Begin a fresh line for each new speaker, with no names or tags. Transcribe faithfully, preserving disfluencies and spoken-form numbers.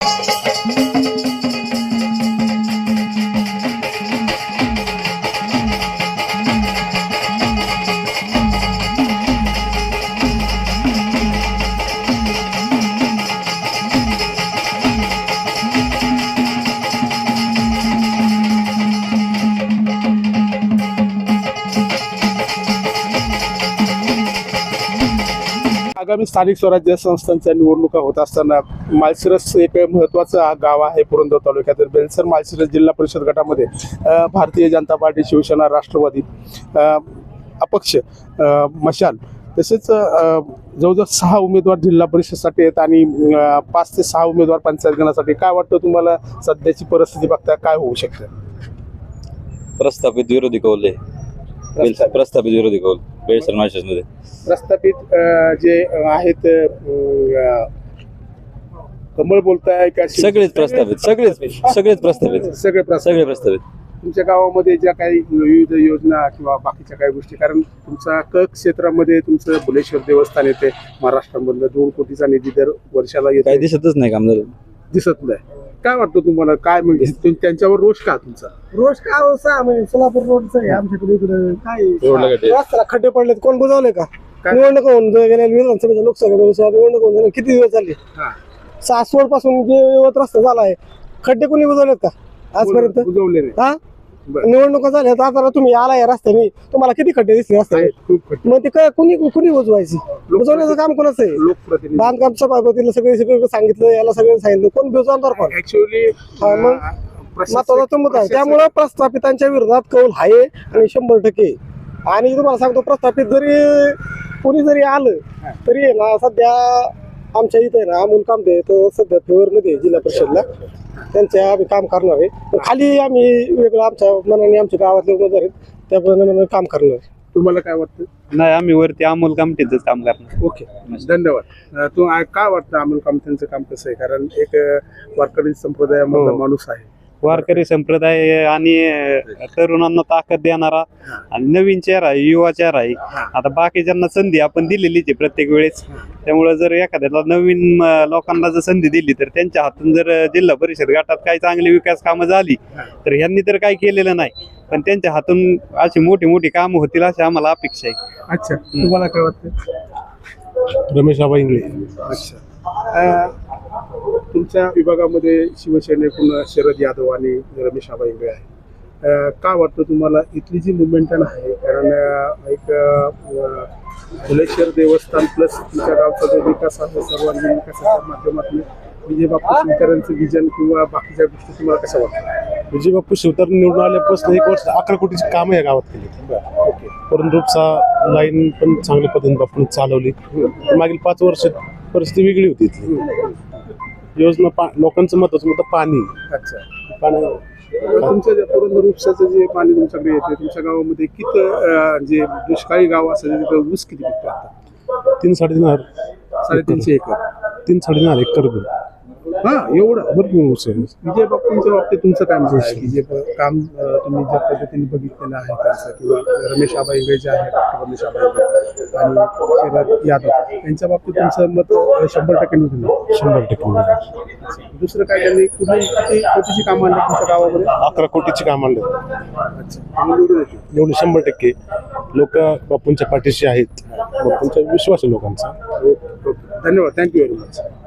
आगामी स्थानिक स्वराज्य संस्थांच्या निवडणुका होत असताना माळशिरस एक महत्त्वाचं गाव आहे पुरंदर तालुक्यातील बेलसर माळशिरस जिल्हा परिषद गटामध्ये अ, भारतीय जनता पार्टी, शिवसेना, राष्ट्रवादी, अ, अपक्ष, अ, मशाल तसेच अ, जवळजवळ सहा उमेदवार जिल्हा परिषदसाठी आहेत आणि अ, पाच ते सहा उमेदवार पंचायत गणासाठी. काय वाटतं तुम्हाला सध्याची परिस्थिती बघता काय होऊ शकतं?
प्रस्थापित विरोधी कौल आहे.
प्रस्थापित.
प्रस्थापित विरोधी कौल बेलसर माळशिरस मध्ये
प्रस्थापित अ, जे आहेत अ, कमळ बोलताय का शिव-
सगळेच प्रस्थापित सगळेच सगळेच प्रस्थापित
सगळे प्रस्थापित.
सगळे प्रस्थापित.
तुमच्या गावामध्ये ज्या काही विविध योजना किंवा बाकीच्या काही गोष्टी, कारण तुमचा क क्षेत्रामध्ये तुमचं भुलेश्वर देवस्थान येते महाराष्ट्रामधलं दोन कोटीचा निधी दर वर्षाला
काही
येतो,
दिसतच नाही काम झालं.
दिसत नाही. काय वाटतं तुम्हाला? काय म्हणजे तुम- त्यांच्यावर रोष का तुमचा?
रोज काय अवस्था म्हणजे सोलापूर रोडचं आहे आमच्याकडे इकडे काय
रोडला गड्डे.
रस्त्याला खड्डे पडलेत, कोण बुजवले का?
काय?
निवडणूक होऊन गेल्या विधानसभेच्या लोकसभा निवडणूक होऊन गेल्या किती दिवस झाले?
हा.
सासवड पासून जे यवत रस्ता झाला आहे, खड्डे कोणी बुजवलेत का आजपर्यंत?
बुजवले नाही.
हा
बरं.
निवडणुका झाल्या तर आता तुम्ही आलाय रस्त्याने, तुम्हाला किती खड्डे दिसले रस्त्याने?
आहेत, खूप खड्डे.
मग ते काय कुणी कुणी बुजवायची? बुजवण्याचं काम कोणाचं आहे?
लोकप्रतिनिधी
बांधकाम सभापतीला सगळे सगळं सांगितलं, याला सगळं सांगितलं, कोण बुजवणार कोण?
ऍक्च्युअली
हा, मग महत्वाचा तो मुद्दा आहे. त्यामुळं प्रस्थापितांच्या विरोधात कौल आहे आणि शंभर टक्के. आणि तुम्हाला सांगतो, प्रस्थापित जरी कोणी जरी आलं तरी आहे ना, सध्या आमच्या इथे ना अमोल कामदे तो सध्या फेवरमध्ये आहे जिल्हा परिषदला, त्यांच्या आम्ही काम करणार आहे. पण खाली आम्ही वेगळं आमच्या मनाने आमच्या गावातले उमेदवार आहेत त्याप्रमाणे काम करणार आहे.
तुम्हाला काय वाटतं?
नाही, आम्ही वरती अमोल कामठीच काम करणार.
ओके, धन्यवाद. अ, तू आ- काय वाटतं अमोल कामत्यांचं काम कसं आहे? कारण एक अ, वारकरी संप्रदायामधला
हो.
माणूस आहे.
वारकरी संप्रदाय आणि अं, तरुणांना ताकद देणारा आणि नवीन चेहरा आहे, युवा चेहरा आहे. आता बाकीच्यांना संधी आपण दिलेलीच आहे प्रत्येक वेळेस. त्यामुळे जर एखाद्याला नवीन अं, लोकांना जर संधी दिली तर त्यांच्या हातून जर अं, जिल्हा परिषद गटात काही चांगली विकास कामं झाली तर ह्यांनी तर काही केलेलं नाही, पण त्यांच्या हातून अशी मोठी मोठी कामं होतील अशी आम्हाला अपेक्षा आहे.
अच्छा, तुम्हाला काय वाटतं?
रमेश आबा इंगळे.
अच्छा, अ, तुमच्या विभागामध्ये शिवसेनेकडून शरद यादव आणि रमेश आबा इंगळे आहे. अ, काय वाटतं तुम्हाला इथली जी मुवमेंटन आहे? कारण अ, एक अ, भुलेश्वर देवस्थान प्लस तुमच्या गावचा जो विकास आहे सर्वांगीण विकासाच्या माध्यमातून विजय बापू शिवकरांचं विजन किंवा बाकीच्या गोष्टी तुम्हाला कसं वाटतं?
विजय बापू शिवतर निवडून आल्यापासून एक वर्ष अकरा कोटीची कामं या गावात केली.
ओके,
परंतुपचा लाईन पण चांगल्या पद्धतीने बापून चालवली. मागील पाच वर्ष परिस्थिती वेगळी होती इथली. योजना पा लोकांचं महत्वाचं मुद्दा पाणी.
अच्छा.
पाणी
तुमचं जे पुरंदर उपसाचं जे पाणी तुमच्याकडे येते, तुमच्या गावामध्ये किती अ, जे दुष्काळी गाव असेल तिथं ऊस किती पिकतो आता?
तीन साडेतीन हजार
साडेतीनशे एकर.
तीन साडेतीन हजार एकर भर.
हा, एवढं.
भरपूर ऊस आहे.
विजय बापूंच्या बाबतीत तुमचं काय म्हणणं आहे की जे प- काम अ, तुम्ही ज्या पद्धतीने बघितलेलं आहे त्यांचं, किंवा रमेश आबा इंगळे जे आहे, डॉक्टर रमेश आबा इंगळे आणि शरद यादव यांच्या बाबतीत तुमचं मत अ, शंभर टक्के निवडून येईल?
शंभर टक्के.
दुसरं काय त्यांनी कुठली किती कोटीची कामं आणली तुमच्या गावामध्ये?
अकरा कोटीची काम आणले.
अच्छा, तुम्ही निवडून येते.
एवढे शंभर टक्के लोक बापूंच्या पाठीशी आहेत. बापूंचा विश्वास आहे लोकांचा.
Okay, okay. धन्यवाद, थँक्यू व्हेरी मच.